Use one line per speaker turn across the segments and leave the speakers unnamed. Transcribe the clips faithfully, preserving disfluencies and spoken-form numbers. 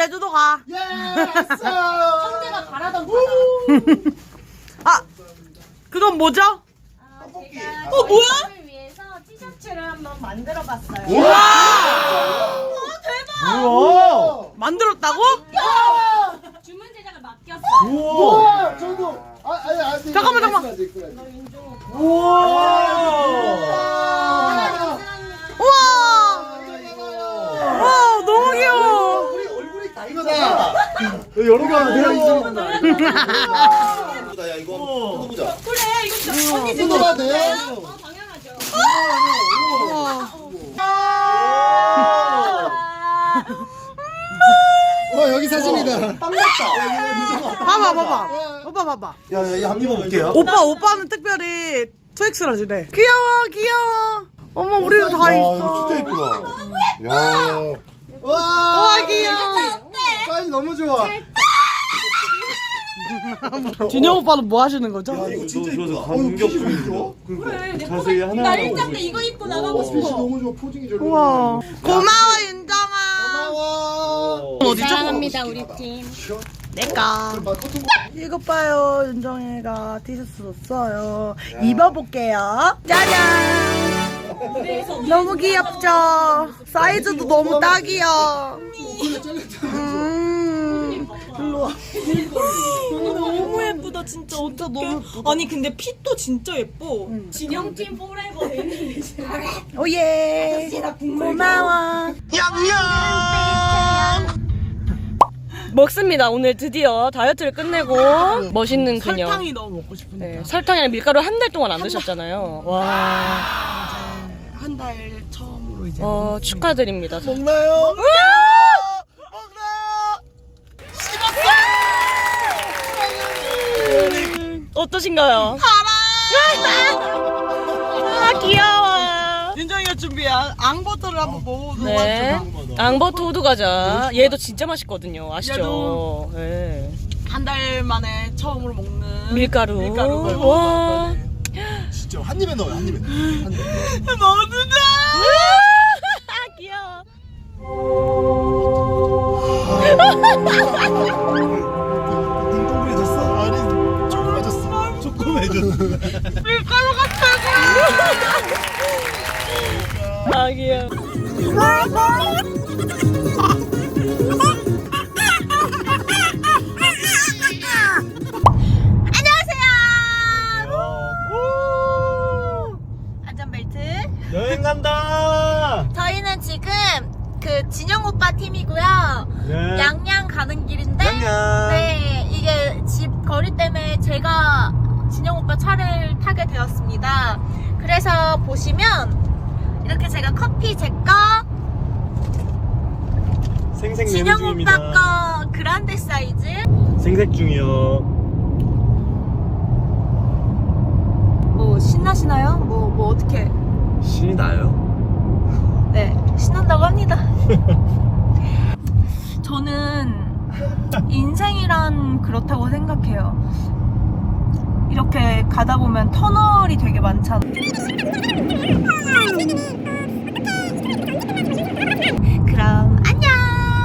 제주도 가.
예스!
형제가 바라던 바다.
아, 그건 뭐죠?
아, 제가
어, 뭐야?
저희를 위해서 티셔츠를 한번 만들어봤어요.
우와!
어, 대박!
우와!
만들었다고?
주문 제작을 맡겼어요.
우와! 저도 아, 아니, 아니.
잠깐만, 잠깐만.
너 윤종호.
우와!
우와! 와, 너무 귀여워.
우리 얼굴이 다 이거다. 여러 개 되어 있어.
야 이거 뜯어보자.
그래, 이거 진짜 언니 진짜.
뜯어봐도 돼요?
어, 당연하죠.
와 여기 사진이다. 빵 났다.
봐봐, 봐봐. 오빠 봐봐.
야야 한입 먹을게요.
오빠, 오빠는 특별히 투엑스라 주네. 귀여워, 귀여워. 어머, 우리도 다
와
있어.
이거 진짜 예쁘다. 야.
와,
와, 귀여워.
사이즈 너무 좋아.
준영 오빠는 뭐 하시는 거죠?
야 이거 진짜
너
예쁘다.
저 감격 중이죠?
그래, 내
자세히
포즈-
하나
나
하나
일장 때 이거 입고 나가고
어, 핏이
싶어.
너무 좋아. 포징이 저렇게.
우와. 고마워, 윤정아.
고마워.
어디죠?
사랑합니다, 우리 팀.
내가.
막 커튼
이것 봐요, 윤정이가 티셔츠 줬어요. 입어볼게요. 짜잔. 너무 귀엽죠? 사이즈도 너무 딱이야. 음.
너무 예쁘다 진짜 어떡해. 아니 근데 핏도 진짜 예뻐.
진영팀 포레버 되는
오예. 고마워.
먹습니다. 오늘 드디어 다이어트를 끝내고 멋있는 그녀.
설탕이 너무 먹고 싶은데.
네, 설탕이랑 밀가루 한 달 동안 안 드셨잖아요. 와,
한 달 처음으로 이제.
어, 축하드립니다.
먹나요?
어떠신가요? 아, 귀여워.
윤정이가 준비한 앙버터를 한번 먹어보도록
네,
하죠.
앙버터 호두 과자. 얘도 진짜 맛있거든요. 아시죠?
얘도.
네.
한 달 만에 처음으로 먹는
밀가루.
밀가루.
와.
진짜 한 입에 넣어요 한 입에. 한 입에.
먹는다.
아, 귀여워.
뚱뚱해졌어? 아니 조그매졌어. 조그매졌어.
밀가루 같아.
아, 귀여워.
안전벨트.
여행 간다.
저희는 지금 그 진영 오빠 팀이고요.
네.
양양 가는 길인데.
양양.
네, 이게 집 거리 때문에 제가 진영 오빠 차를 타게 되었습니다. 그래서 보시면 이렇게 제가 커피 제 거,
생색 내는
진영
중입니다.
오빠 거 그란데 사이즈.
생색 중이요.
뭐 신나시나요? 뭐 뭐 어떻게?
신이 나요?
네, 신난다고 합니다. 저는 인생이란 그렇다고 생각해요. 이렇게 가다 보면 터널이 되게 많잖아. 그럼 안녕.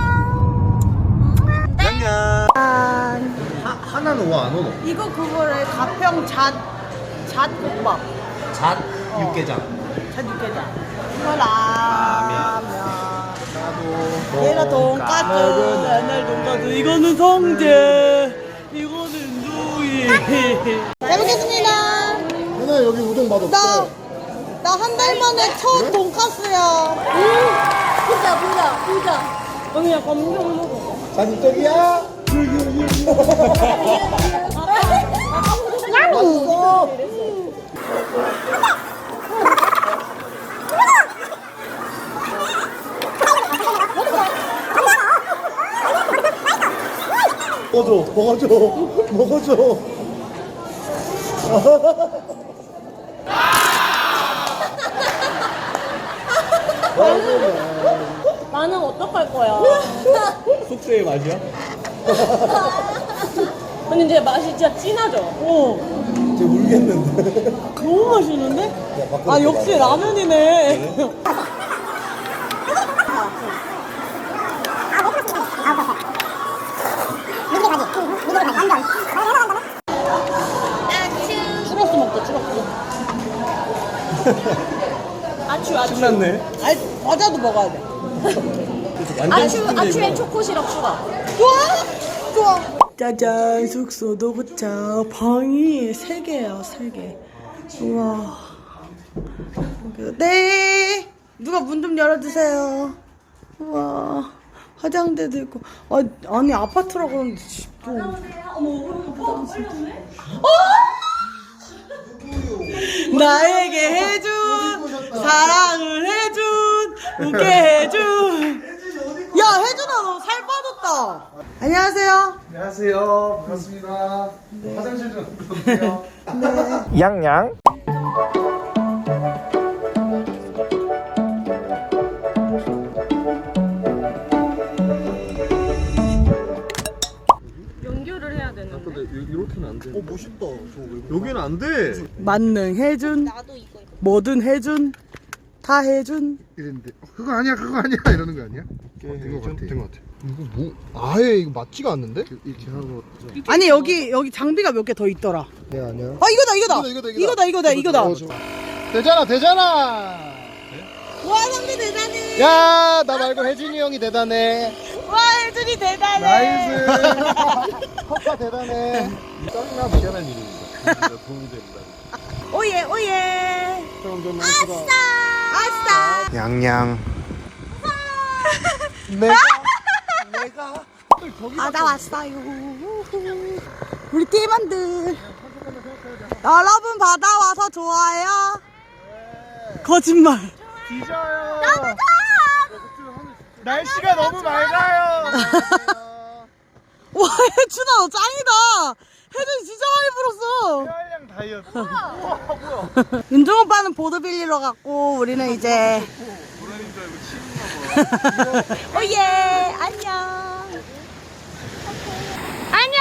양양.
하나는 와 안 오노?
이거 그거를 가평 잣 잣국밥.
잣 육개장.
잣 육개장. 이거 라면. 얘가 돈까스. 옛날 돈까스. 이거는 성제. 이거는 누이. 잘 먹겠습니다.
하나 여기 우동 맛
나,
없어.
나 한 달 만에 첫 돈까스야.
부자 부자 부자.
언니야, 감정 먹어.
자극적이야? 맛있어. 먹어줘, 먹어줘, 먹어줘.
나는 어떡할 거야?
숙제의 맛이야?
근데 이제 맛이 진짜 진하죠?
어,
쟤 울겠는데.
너무 맛있는데?
야, 밖으로
아, 역시
나가.
라면이네.
끝났네.
아니 과자도 먹어야 돼.
아침, 아침에 초코 시럽 추가.
좋아 좋아. 짜잔 숙소 도착. 방이 세 개예요 세 개. 우와. 네. 누가 문 좀 열어주세요. 우와. 화장대도 있고. 아, 아니 아파트라고 하는데 집도. 어! 나에게 해준 사랑을 해준 웃게 해준. 야 혜준아 너 살 빠졌다. 안녕하세요.
안녕하세요. 반갑습니다. 화장실 좀 부탁드려요.
양양.
연결을 해야 되는데.
이렇게는 안 돼.
어 멋있다. 저거
여기는 안 돼.
만능 해준
나도 이거 이거.
뭐든 해준 다 해준.
이랬는데 어, 그거 아니야 그거 아니야 이러는 거 아니야? 된거 같아. 된 거 같아. 이거 뭐 아예 이거 맞지가 않는데? 이렇게 하고.
아니 여기 여기 장비가 몇 개 더 있더라.
네 아니야.
아 이거다 이거다
이거다,
이거다 이거다 이거다.
어, 저- 되잖아 되잖아.
와 상대 대단해.
야 나 말고 혜준이 형이 대단해.
와 혜준이 대단해.
나이스. 커파 대단해.
짱나 미안한 일입니다. 도움이 됩니다.
오예 오예.
점점
아싸.
양양. 내가 내가
아 나 왔어요. 우리 팀원들 여러분 바다 와서 좋아요. 거짓말.
뒤져요. 날씨가 너무 맑아요.
와 혜준아 너 짱이다. 혜준 진짜 많이 불었어.
다이어트.
윤종 오빠는 보드 빌리러 갔고 우리는 이제 오예 안녕 안녕.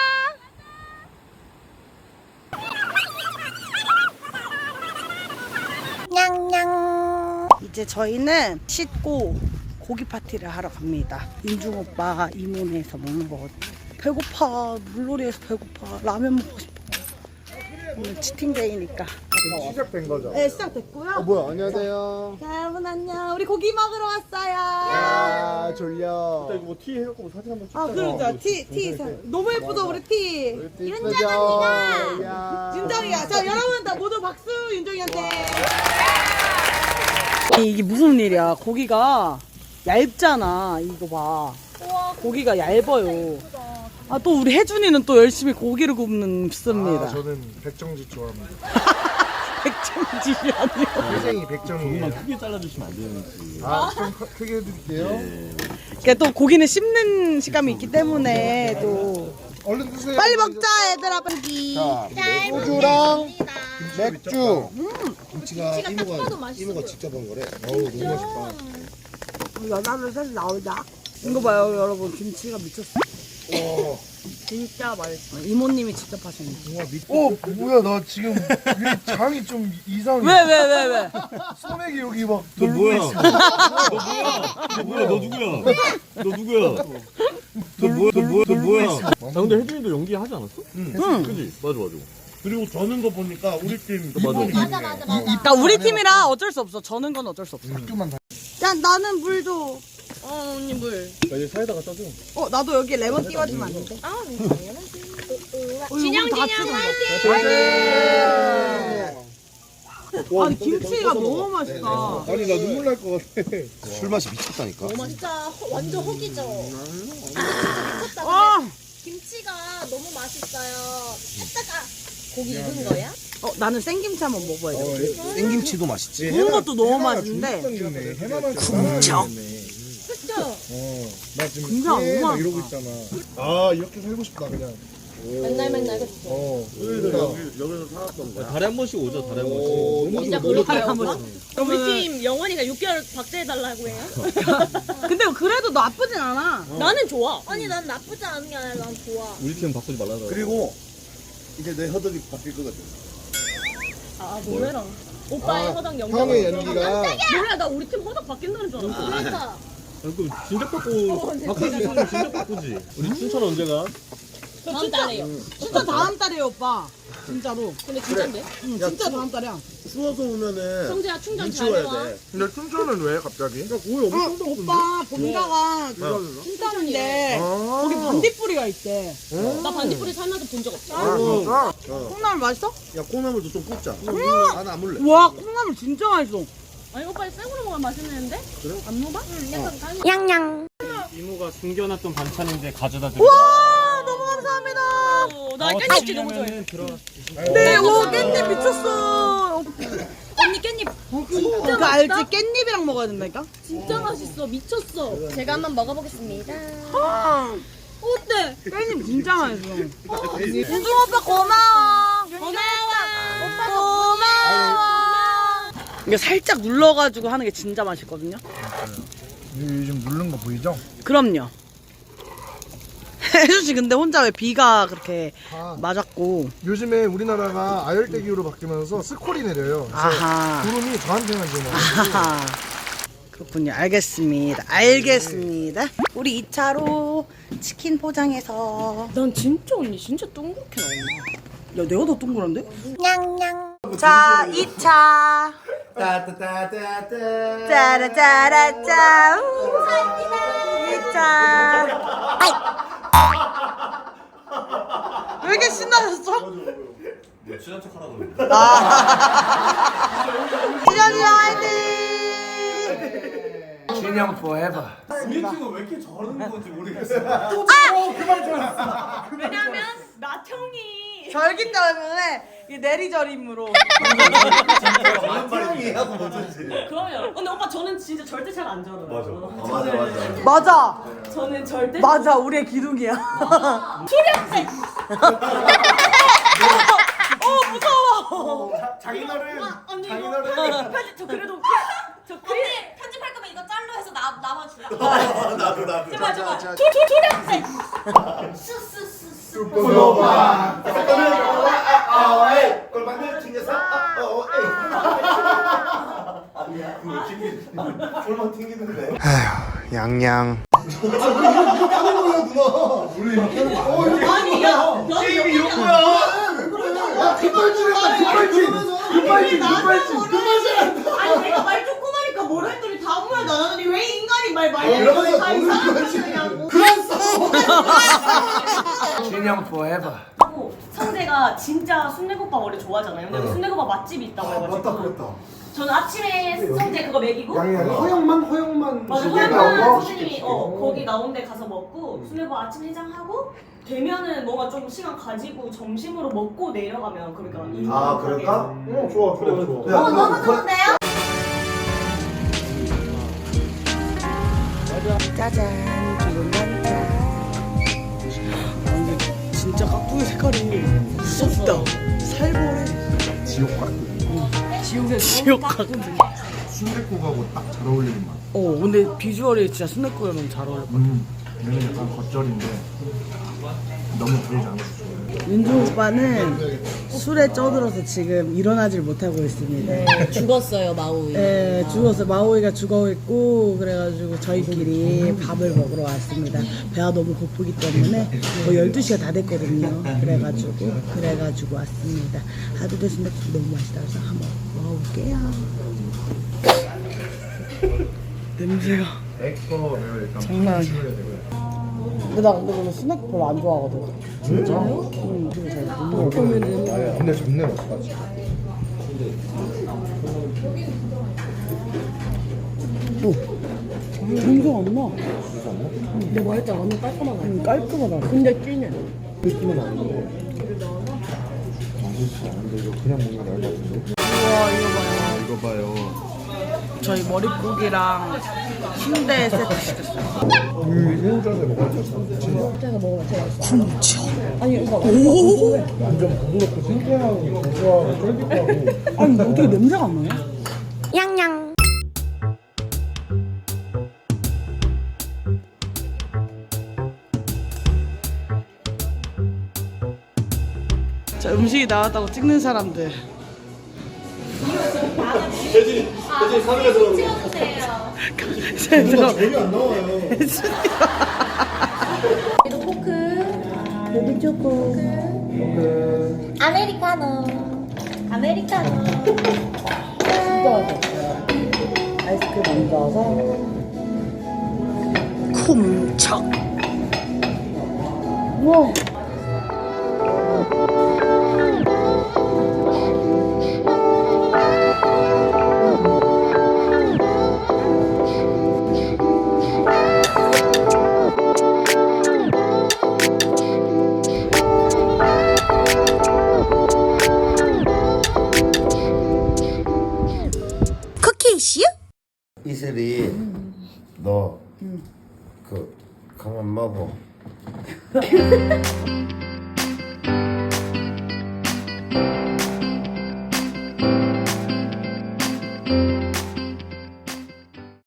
냥냥. 이제 저희는 씻고 고기 파티를 하러 갑니다. 윤중 오빠 이모네에서 먹는 거거든요. 배고파. 물놀이에서 배고파. 라면 먹고 싶어. 오늘 치팅데이니까.
시작된 거죠?
네 시작됐고요.
어 뭐야 안녕하세요.
자, 여러분 안녕. 우리 고기 먹으러 왔어요.
아 졸려.
이거 뭐 티 해갖고 뭐 사진 한번 찍자.
아 그러자. 티, 티. 너무 예쁘다 우리 티.
윤정입니다.
윤정이야. 자 여러분 다 모두 박수 윤정이한테. 이게 무슨 일이야. 고기가 얇잖아. 이거 봐. 고기가 얇아요. 아 또 우리 혜준이는 또 열심히 고기를 굽습니다.
아, 저는 백정지 좋아합니다.
백정지이 아니요.
회생이 백정이에요.
조금만 크게 잘라주시면 안 되는지.
아, 좀 커- 크게 해드릴게요.
그러니까 또 고기는 씹는 식감이 있기 때문에 또
얼른 드세요.
빨리 먹자 얘들아 빨리.
자, 소주랑 맥주.
김치가 이모가 이모가 직접 한 거래. 어우 너무 맛있다.
연하면 사실 나오자. 이거 봐요 여러분 김치가 미쳤어.
어,
진짜 맛있어. 이모님이 직접 하셨네.
어 뭐야 나 지금 왜 장이 좀 이상해.
왜 왜 왜 왜?
소맥이 여기 막
너
돌고
뭐야?
있어.
너 뭐야? 너 누구야? 너 누구야? 너 뭐야? 너 뭐야? 너 뭐야? 아 근데 혜준이도 연기하지 않았어? 응. 그지? 맞아 맞아.
그리고 저는 거 보니까 우리 팀
맞아.
맞아 맞아 맞아.
그러니까 우리 팀이라 어쩔 수 없어. 저는 건 어쩔 수 없어.
학교만 다.
야 나는 물 줘.
어 언니 물.
나 이제 사이다 갖다 줘.
어 나도 여기 레몬 띄워주면 안 돼?
아 당연하지.
진영 진영 아니 김치가 너무 맛있다.
아니 나 눈물 날 것 같아.
술 맛이 미쳤다니까.
진짜 허- 완전 허기죠. 미쳤다.
아,
근데 김치가 너무 맛있어요. 했다가 고기 익은 거야?
어 나는 생김치 한번 먹어야 돼.
생김치도 맛있지.
구운 것도 너무 맛있는데
해마만
쿵쩍.
그쵸?
나 지금
진짜 너무
계속
맛있다.
이러고 있잖아. 아 이렇게 살고 싶다 그냥.
맨날 맨날 그쵸?
어.
여기서 살았던 거야. 달에 한 번씩 오자. 달에 한 번씩.
너무
진짜
좋아.
그렇게
한 번.
우리 팀 영원이가 육 개월 박제해달라고 해요?
근데 그래도 나쁘진 않아.
나는 좋아.
아니 난 나쁘지 않은 게 아니라 난 좋아.
우리 팀 바꾸지 말라고.
그리고 이제 내 허덕이 바뀔 거거든.
아 놀래라. 오빠의 허당 연결.
형의 연기가
몰라 나 우리 팀 허당 바뀐다는 줄 알았어.
그러니까
그럼 진작 바꾸 바꾸지. 진작 바꾸지. 우리 춘천 언제가?
다음 달에요.
진짜 다음 달이에요 오빠. 진짜로.
근데 진짠데?
응, 진짜 다음 달이야.
추워서 오면은
성재야 충전
눈
잘
치워야
해와.
돼.
근데 춘천은 왜 갑자기?
고기 엄청 더
오빠 본가가 춘천인데 거기 반딧불이가 있대.
나 반딧불이 살면서 본 적 없어.
아 진짜?
콩나물 맛있어?
야 콩나물도 좀 굽자. 나는 안 물래.
와 콩나물 진짜 맛있어.
아니 오빠 생으로 먹으면 맛있는데? 그래? 안 먹어? 응, 약간 간.
이모가 숨겨놨던 반찬인데 가져다 드려.
와 너무 감사합니다.
어, 나 깻잎 너무 좋아해.
네, 와 깻잎 미쳤어.
언니 깻잎
그 알지? 깻잎이랑 먹어야 된다니까?
진짜 맛있어. 미쳤어.
제가 한번 먹어보겠습니다.
어때?
깻잎 진짜 맛있어. 윤중 오빠 고마워.
고마워. 오빠
고마워. 이게 살짝 눌러가지고 하는 게 진짜 맛있거든요.
요즘 누른 거 보이죠?
그럼요. 혜수씨 근데 혼자 왜 비가 그렇게
아,
맞았고.
요즘에 우리나라가 아열대 기후로 바뀌면서 스콜이 내려요. 그래서
아하.
구름이 저한테만 지나요.
아하. 그렇군요. 알겠습니다. 알겠습니다. 우리 이 차로 치킨 포장해서.
난 진짜 언니 진짜 둥그렇게 나온다.
야 내가 더 동그란데? 자, 이 차.
따따따따따.
짜라짜라짜. 이 차. 왜 이렇게 신나셨어?
친한 척 하라고.
진현이 형 화이팅!
진영 forever.
우리 팀은 왜 이렇게 저러는 건지 모르겠어.
왜냐면 나청이
절기 때문에 이 내리저림으로.
사랑이하고 뭐든지.
그러면 근데 오빠 저는 진짜 절대 잘 안 저러요.
맞아.
맞아 맞아.
맞아.
저는 절대
맞아. 우리의 기둥이야.
초량색.
어 무서워.
자기 노래.
언니
자기
이거
노래.
편집 저 그래도 저 그래 편집할 거면 이거 짤로 해서 나 나만 주라.
나도 나도.
제발 제발. 초 초 초량색. 스스스스.
슈퍼노바.
골반을 튕겨서. 아니야. 그거 튕기. 골반 튕기는데.
양양.
아니 야
게임이 이런 거야. 야 급발진했다. 급발진. 급발진. 급발진. 급발진.
아니 내가 말 조그마니까 뭐라 했더니 다음 말 나가더니 왜 인간이 말 많이
이러면서
했더니 다
모르는
이상한
거지.
거냐고.
진영 forever.
하고 성재가 진짜 순대국밥 원래 좋아하잖아요. 근데 순대국밥 맛집이 있다고 해가지고 저는 아침에 성재 그거 먹이고
허영만 허영만.
맞아 허영만 선생님이 어 거기 나온 데 가서 먹고 순대국밥 아침 해장하고 되면은 뭔가 좀 시간 가지고 점심으로 먹고 내려가면 그러니까 이
아 그럴까?
어 좋아 좋아 좋아.
어 너무 좋은데요?
짜잔. 기분 많다. 아, 근데 진짜 깍두기 색깔이 무섭다. 살벌해.
지옥 같은.
지옥의 지옥 같은.
순댓국하고 딱 잘 어울리는 맛.
어 근데 비주얼이 진짜 순댓국이랑 잘 어울려.
음, 얘는 약간 겉절인데 너무 달지 않았어.
윤종 오빠는 술에 쪄들어서 지금 일어나질 못하고 있습니다.
죽었어요 마우이.
네, 죽었어. 마오이가 죽어 있고 그래가지고 저희끼리 밥을 먹으러 왔습니다. 배가 너무 고프기 때문에 뭐 열두 시가 다 됐거든요. 그래가지고 그래가지고 왔습니다. 하두대 순댓국 너무 맛있다 그래서 한번 먹어볼게요. 냄새가
액거 일단
장난 아니야. 근데 나 근데 오늘 스낵 별로 안 좋아하거든.
진짜요?
응, 되게 잘못 먹어.
근데 좋네 맛있다.
냄새 안 나.
근데 뭐 했잖아 완전 깔끔하다.
응, 깔끔하다.
근데 진해.
느낌은 아닌데. 맛있어. 근데 이거 그냥 먹는 게 나을 것 같은데.
우와 이거 봐요.
이거 봐요.
저희 머릿고기랑 순대 세트 시켰어요.
이 새우젓에 먹어야 돼. 진짜.
제가 먹어봐 제가.
진짜?
아니 이거
오!
완전 부드럽고 신기하고 고소하고 쫄깃하고.
아니 어떻게 냄새가 안 나요?
냥냥.
자 음식이 나왔다고 찍는 사람들.
대진 대진 카메라 들어.
제가
되게 안 나와요.
초코. 베비 초코. 아메리카노. 아메리카노.
진짜 맛있어요. 아이스크림 얹어서 쿰척. 우와. 쿠키슈?
이슬이 너 그 그만 먹어.